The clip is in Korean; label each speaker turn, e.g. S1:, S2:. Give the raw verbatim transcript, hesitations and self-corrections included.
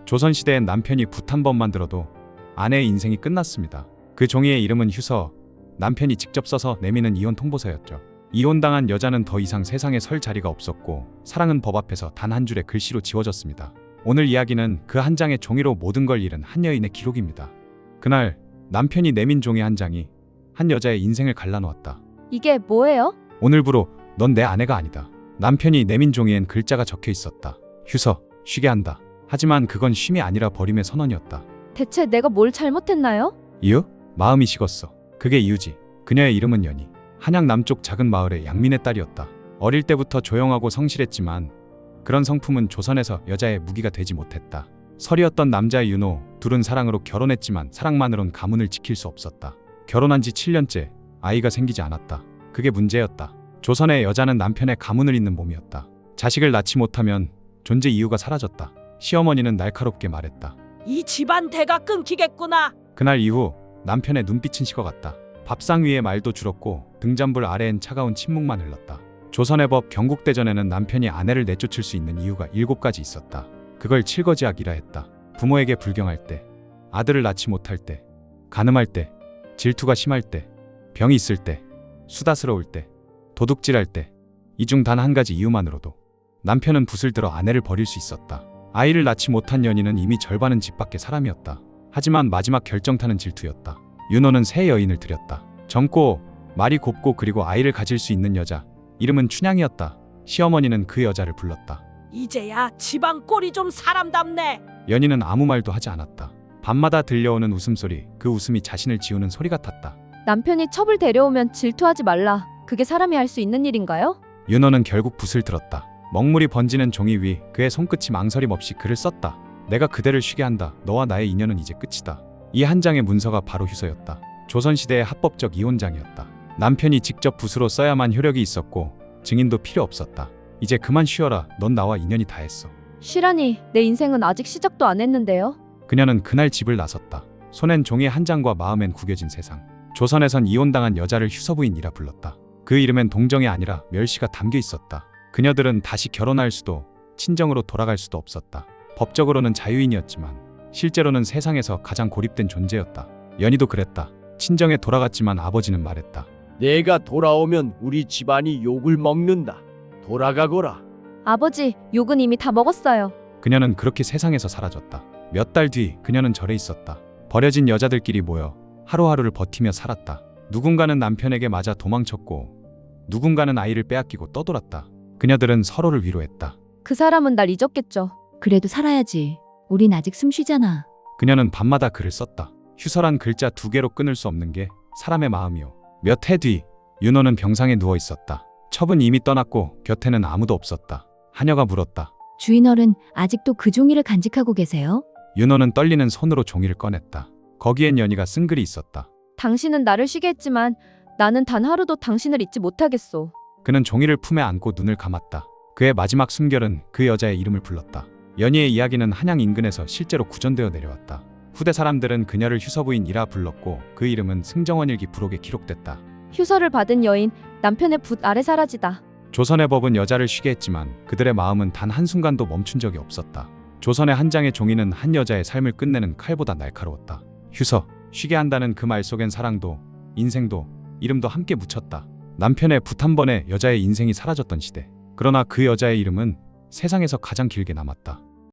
S1: 조선시대엔 남편이 붓 한 번만 들어도 아내의 인생이 끝났습니다. 그 종이의 이름은 휴서, 남편이 직접 써서 내미는 이혼 통보서였죠. 이혼당한 여자는 더 이상 세상에 설 자리가 없었고 사랑은 법 앞에서 단 한 줄의 글씨로 지워졌습니다. 오늘 이야기는 그 한 장의 종이로 모든 걸 잃은 한 여인의 기록입니다. 그날 남편이 내민 종이 한 장이 한 여자의 인생을 갈라놓았다.
S2: 이게 뭐예요?
S1: 오늘부로 넌 내 아내가 아니다. 남편이 내민 종이엔 글자가 적혀 있었다. 휴서, 쉬게 한다. 하지만 그건 쉼이 아니라 버림의 선언이었다.
S2: 대체 내가 뭘 잘못했나요?
S1: 이유? 마음이 식었어. 그게 이유지. 그녀의 이름은 연희. 한양 남쪽 작은 마을의 양민의 딸이었다. 어릴 때부터 조용하고 성실했지만 그런 성품은 조선에서 여자의 무기가 되지 못했다. 설이었던 남자의 윤호, 둘은 사랑으로 결혼했지만 사랑만으론 가문을 지킬 수 없었다. 결혼한 지 칠 년째 아이가 생기지 않았다. 그게 문제였다. 조선의 여자는 남편의 가문을 잇는 몸이었다. 자식을 낳지 못하면 존재 이유가 사라졌다. 시어머니는 날카롭게 말했다.
S3: 이 집안 대가 끊기겠구나.
S1: 그날 이후 남편의 눈빛은 식어갔다. 밥상 위에 말도 줄었고 등잔불 아래엔 차가운 침묵만 흘렀다. 조선의 법 경국대전에는 남편이 아내를 내쫓을 수 있는 이유가 일곱 가지 있었다. 그걸 칠거지악이라 했다. 부모에게 불경할 때, 아들을 낳지 못할 때, 간음할 때, 질투가 심할 때, 병이 있을 때, 수다스러울 때, 도둑질할 때, 이 중 단 한 가지 이유만으로도 남편은 붓을 들어 아내를 버릴 수 있었다. 아이를 낳지 못한 연희는 이미 절반은 집 밖의 사람이었다. 하지만 마지막 결정타는 질투였다. 윤호는 새 여인을 들였다. 젊고 말이 곱고 그리고 아이를 가질 수 있는 여자. 이름은 춘향이었다. 시어머니는 그 여자를 불렀다.
S3: 이제야 집안 꼴이 좀 사람답네.
S1: 연희는 아무 말도 하지 않았다. 밤마다 들려오는 웃음소리, 그 웃음이 자신을 지우는 소리 같았다.
S2: 남편이 첩을 데려오면 질투하지 말라. 그게 사람이 할 수 있는 일인가요?
S1: 윤호는 결국 붓을 들었다. 먹물이 번지는 종이 위 그의 손끝이 망설임 없이 글을 썼다. 내가 그대를 쉬게 한다. 너와 나의 인연은 이제 끝이다. 이 한 장의 문서가 바로 휴서였다. 조선시대의 합법적 이혼장이었다. 남편이 직접 붓으로 써야만 효력이 있었고 증인도 필요 없었다. 이제 그만 쉬어라. 넌 나와 인연이 다 했어.
S2: 쉬라니, 내 인생은 아직 시작도 안 했는데요.
S1: 그녀는 그날 집을 나섰다. 손엔 종이 한 장과 마음엔 구겨진 세상. 조선에선 이혼당한 여자를 휴서부인이라 불렀다. 그 이름엔 동정이 아니라 멸시가 담겨 있었다. 그녀들은 다시 결혼할 수도 친정으로 돌아갈 수도 없었다. 법적으로는 자유인이었지만 실제로는 세상에서 가장 고립된 존재였다. 연희도 그랬다. 친정에 돌아갔지만 아버지는 말했다.
S4: 내가 돌아오면 우리 집안이 욕을 먹는다. 돌아가거라.
S2: 아버지, 욕은 이미 다 먹었어요.
S1: 그녀는 그렇게 세상에서 사라졌다. 몇 달 뒤 그녀는 절에 있었다. 버려진 여자들끼리 모여 하루하루를 버티며 살았다. 누군가는 남편에게 맞아 도망쳤고 누군가는 아이를 빼앗기고 떠돌았다. 그녀들은 서로를 위로했다.
S2: 그 사람은 날 잊었겠죠.
S5: 그래도 살아야지. 우린 아직 숨 쉬잖아.
S1: 그녀는 밤마다 글을 썼다. 휴서란 글자 두 개로 끊을 수 없는 게 사람의 마음이요. 몇 해 뒤 윤호는 병상에 누워 있었다. 첩은 이미 떠났고 곁에는 아무도 없었다. 하녀가 물었다.
S5: 주인어른, 아직도 그 종이를 간직하고 계세요?
S1: 윤호는 떨리는 손으로 종이를 꺼냈다. 거기엔 연희가 쓴 글이 있었다.
S2: 당신은 나를 쉬게 했지만 나는 단 하루도 당신을 잊지 못하겠소.
S1: 그는 종이를 품에 안고 눈을 감았다. 그의 마지막 숨결은 그 여자의 이름을 불렀다. 연희의 이야기는 한양 인근에서 실제로 구전되어 내려왔다. 후대 사람들은 그녀를 휴서부인이라 불렀고 그 이름은 승정원일기 부록에 기록됐다.
S2: 휴서를 받은 여인, 남편의 붓 아래 사라지다.
S1: 조선의 법은 여자를 쉬게 했지만 그들의 마음은 단 한순간도 멈춘 적이 없었다. 조선의 한 장의 종이는 한 여자의 삶을 끝내는 칼보다 날카로웠다. 휴서, 쉬게 한다는 그 말 속엔 사랑도, 인생도, 이름도 함께 묻혔다. 남편의 붓 한 번에 여자의 인생이 사라졌던 시대. 그러나 그 여자의 이름은 세상에서 가장 길게 남았다.